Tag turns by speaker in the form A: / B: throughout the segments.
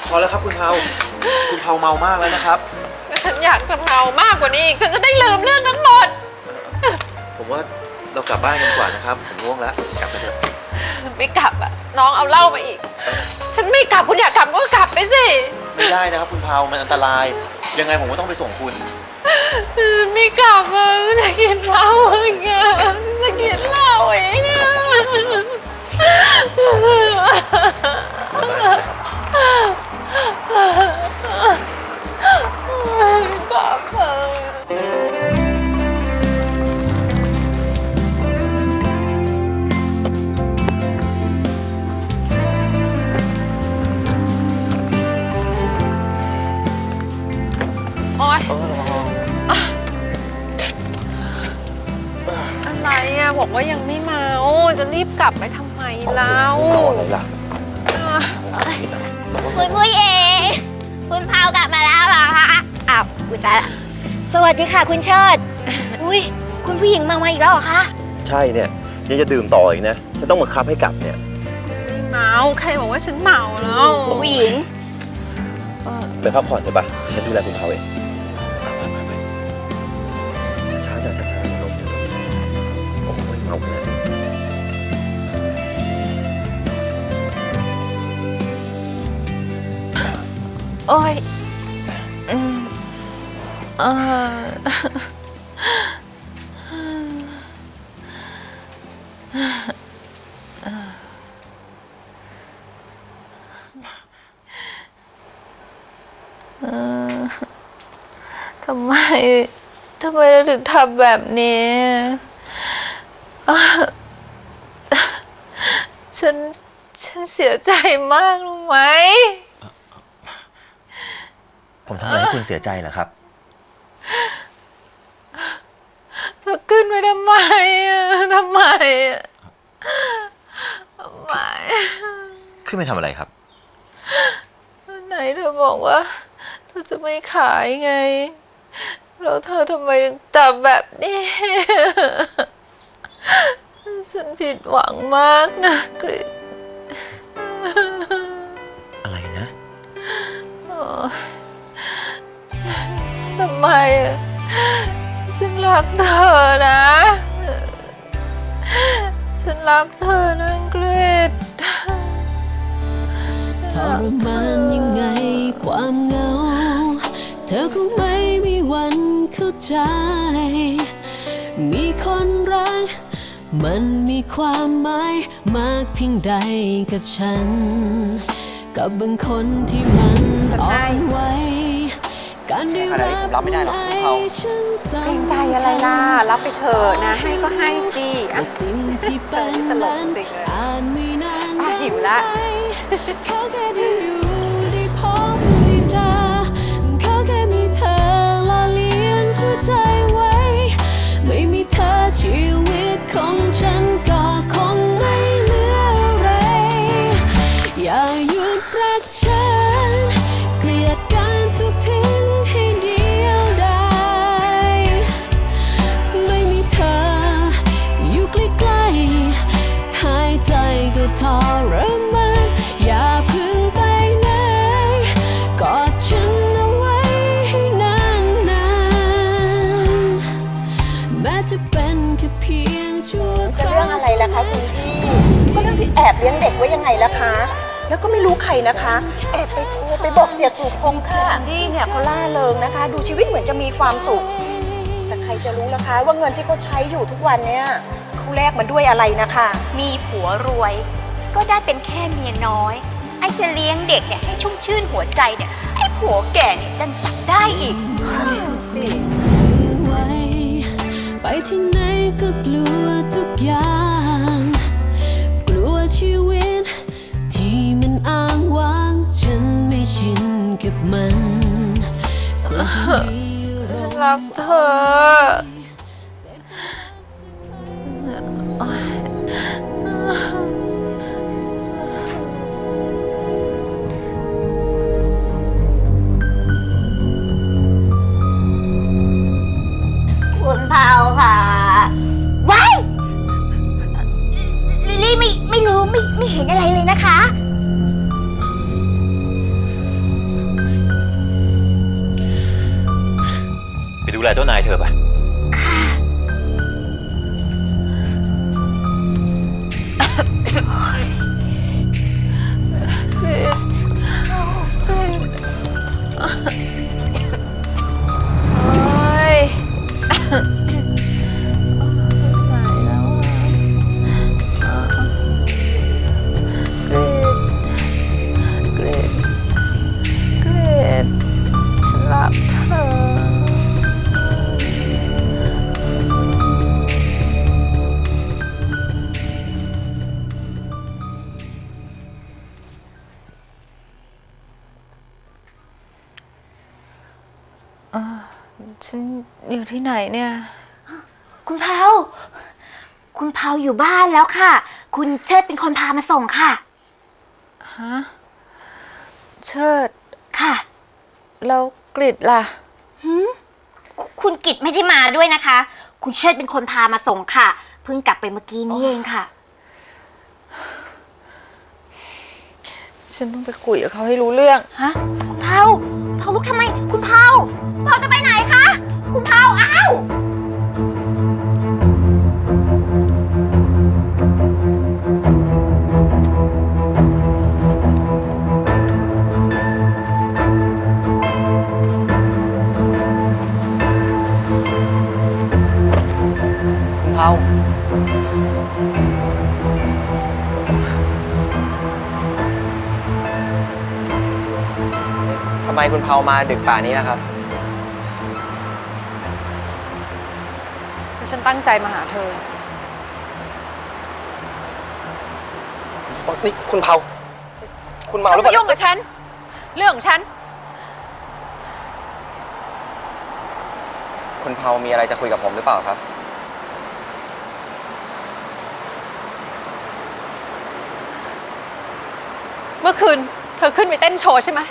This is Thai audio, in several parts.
A: พอแล้วครับคุณเผาเมามากแล้วนะครับ
B: ฉันอยากจะเมามากกว่านี้อีกฉันจะได้ลืมเรื่องทั้งหมด
A: ผมว่าเรากลับบ้านกันดีกว่านะครับผมง่วงแล้วกลับไปเถอะ
B: ไม่กลับอะน้องเอาเหล้ามาอีกฉันไม่กลับคุณอยากกลับก็กลับไปสิ
A: ไม่ได้นะครับคุณเผามันอันตรายยังไงผมก็ต้องไปส่งคุณ
B: ไม่กลับอะฉันจะกินเหล้าเองอะฉันจะกินเหล้าเองอะกลับโอ๊ยอะไรอะบอกว่ายังไม่มาโอ้จะรีบกลับไปทำไมเล่า
A: อะไรล่ะ
C: คุณผู้หญิงคุณเผากลับมาแล้วเหรอคะอ้าวอุยตายละสวัสดีค่ะคุณเชิดอุ้ยคุณผู้หญิงมาอีกแล้วเหรอคะ
A: ใช่เนี่ยยังจะดื่มต่ออีกนะฉันต้องบังคับให้กลับเนี่ย
B: ไม่เมาใครบอกว่าฉันเมาแล้ว
C: ผู้หญิง
A: ไปพักผ่อนเถอะปะฉันดูแลคุณเผาเองช้าๆช้าๆลงโอ้ยเมาขนาดนี้
B: โอ้ยทำไมเราถึงทำแบบนี้ฉันเสียใจมากรู้ไหม
A: ผมทำอะไรให้คุณเสียใจเหรอครับ
B: เธอขึ้นไปทำไมทำไม
A: ขึ้นไปทำอะไรครับ
B: ไหนเธอบอกว่าเธอจะไม่ขายไงแล้วเธอทำไมถึงจับแบบนี้ฉันผิดหวังมากนะกฤษ
A: อะไรนะ
B: ทำไมฉันรักเธอนะฉันรักเธอนะกฤษ
D: ทรมานยังไงความเหงาเธอคงไม่มีวันเข้าใจมีคนรักมันมีความหมายมากเพียงใดกับฉันกับบางคนที่มันอ่อนไหวการได้รับไม่ได้หรอกคุณเผา
B: เกรงใจอะไรล่ะรับไปเถอะนะให้ก็ให้สิ
D: สิ่งที่เป็นนั้นอ่านไม่นาน
B: หิวละ
D: เขาแค่ได้อยู่ได้พบได้เจอเขาแค่มีเธอหล่อเลี้ยงหัวใจไว้ไม่มีเธอชีวิตของฉันก็คงไม่เหลืออะไรอย่าหยุดรักฉันเกลียดการทุกทิ้งให้เดียวดายไม่มีเธออยู่ใกล้ๆหายใจก็ทรมานอย่าพึ่งไปไหนกอดฉันเอาไว้ให้นานๆแม้จะเป็นแค่เพียงชั่วคราว
E: จะเรื่องอะไรล่ะคะคุณพี่ก็เรื่องที่แอบเลี้ยงเด็กไว้ยังไงล่ะคะแล้วก็ไม่รู้ใครนะคะแอบไปโทรไปบอกเสียสุพงษ์ค่ะดี้เนี่ยเขาล่าเริงนะคะดูชีวิตเหมือนจะมีความสุขแต่ใครจะรู้นะคะว่าเงินที่เขาใช้อยู่ทุกวันเนี่ยเขาแลกมันด้วยอะไรนะคะ
C: มีผัวรวยก็ได้เป็นแค่เมียน้อยไอ้จะเลี้ยงเด็กเนี่ยให้ชุ่มชื่นหัวใจเนี่ยไอ้ผัวแก่เนี่ยดันจับได้อีก
D: สิไปที่ไหนก็กลัวทุกอย่างกลัวชีวิตที่มันอ้างว้างฉันไม่ชินกับมัน
B: รักเธอ
C: คุณเผาค่ะว้ายลิลลี่ไม่รู้ไม่เห็นอะไรเลยนะคะ
A: ดูแลเจ้านายเธอปะ
B: กรีดกรีดโอ๊ยไหนแล้วอ่ะกรีดกรีดฉันรักเธอ ฉันอยู่ที่ไหนเนี่ย
C: คุณเผาคุณเผาอยู่บ้านแล้วค่ะ คุณเชิดเป็นคนพามาส่งค่ะ
B: ฮะ เชิด
C: ค่ะ
B: แล้วกริดล่ะ
C: คุณกิตไม่ได้มาด้วยนะคะ คุณเชิดเป็นคนพามาส่งค่ะ เพิ่งกลับไปเมื่อกี้นี้เองค่ะ
B: ฉันต้องไปคุยกับเขาให้รู้เรื่อง
C: ฮะ คุณเผาลุกทำไม คุณเผาจะไปไหนคะ คุณเผาอ้าว
F: เผาทำไมคุณเผามาดึกป่านนี้นะครับ
B: ฉันตั้งใจมาหาเธอ
F: นี่คุณเผาคุณเมาหรือเป
B: ไม่
F: ล่า
B: ยุ่งกับฉัน เรื่องของฉัน
F: คุณเผามีอะไรจะคุยกับผมหรือเปล่าครับ
B: เมื่อคืนเธอขึ้นไปเต้นโชว์ใช่ไหม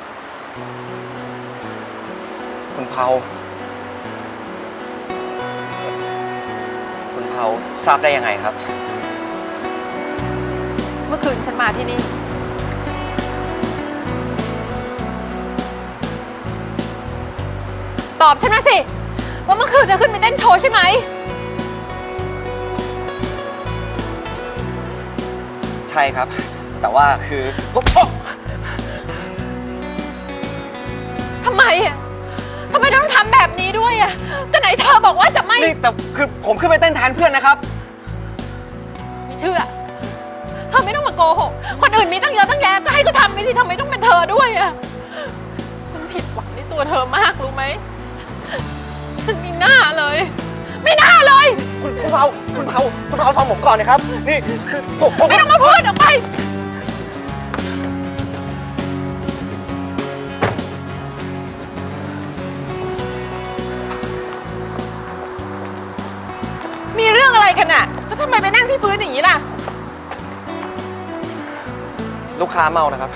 F: คุณเผาคุณเผาทราบได้ยังไงครับ
B: เมื่อคืนฉันมาที่นี่ ตอบฉันมาสิ ว่าเมื่อคืนเธอขึ้นไปเต้นโชว์ใช่ไหม
F: ใช่ครับ แต่ว่าคือ
B: ทำไมอ่ะ ทำไมต้องทำแบบนี้ด้วยอ่ะก็ไหนเธอบอกว่าจะไม่
F: นี่แต่คือผมขึ้นไปเต้นแทนเพื่อนนะครับ
B: ไม่เชื่อ เธอไม่ต้องมาโกหก คนอื่นมีตั้งเยอะตั้งแยะก็ให้ก็ทำไปสิทำไมต้องเป็นเธอด้วยอ่ะ ฉันผิดหวังในตัวเธอมากรู้ไหม ฉันไม่น่าเลย ไม่น่าเลย
F: คุณเผาฟังผมก่อนนะครับ นี่คือผม
B: ไม่ต้องมาพูดออกไป
E: มีเรื่องอะไรกันน่ะ แล้วทำไมไปนั่งที่พื้นอย่างนี้ล่ะ
F: ลูกค้าเมานะครับ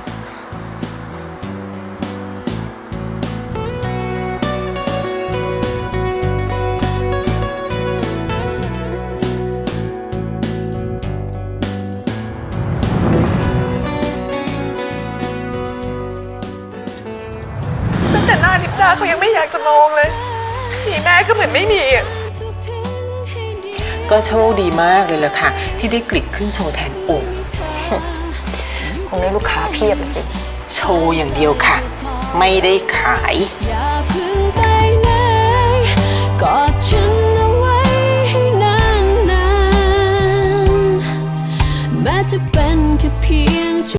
E: ตั้งแต่หน้าลิปดาเขายังไม่อยากจะมองเลยมีแม่ก็เหมือนไม่มีอ่ะ
G: ก็โชคดีมากเลยล่ะค่ะ ที่ได้กริดขึ้นโชว์แทนปู่
B: คงได้ลูกค้าเพียบเลยสิ
G: โชว์อย่างเดียวค่ะ ไม่ได้ขาย
D: อย่าเพึ่งไปไหนกอดฉันเอาไว้ให้นานๆแม้จะเป็นแค่เพียง